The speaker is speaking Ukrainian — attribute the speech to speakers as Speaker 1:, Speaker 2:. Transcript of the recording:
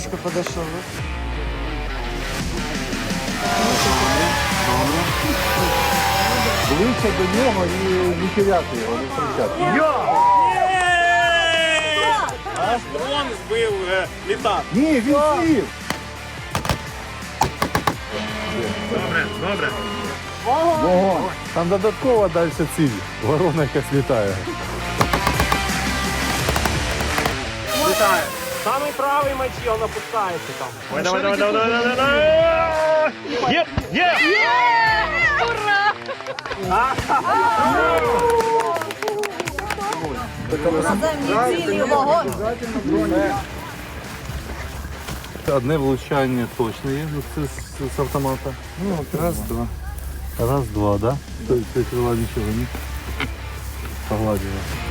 Speaker 1: близко подошел.
Speaker 2: Ближче до нього і не теряти його, не втрачати.
Speaker 3: Аж дрон збив літак.
Speaker 2: Ні, він сів!
Speaker 3: Добре.
Speaker 2: Вогонь! Там додатково далі ціль. Ворона якась літає.
Speaker 3: Літає. Самий правий меч, він опускається там. Давай. Є!
Speaker 4: Наземні цілі, вогонь.
Speaker 2: Одне влучання точно є, ну це з автомата. Ну, раз-два. Раз-два, да? Тобто крила нічого не погладила.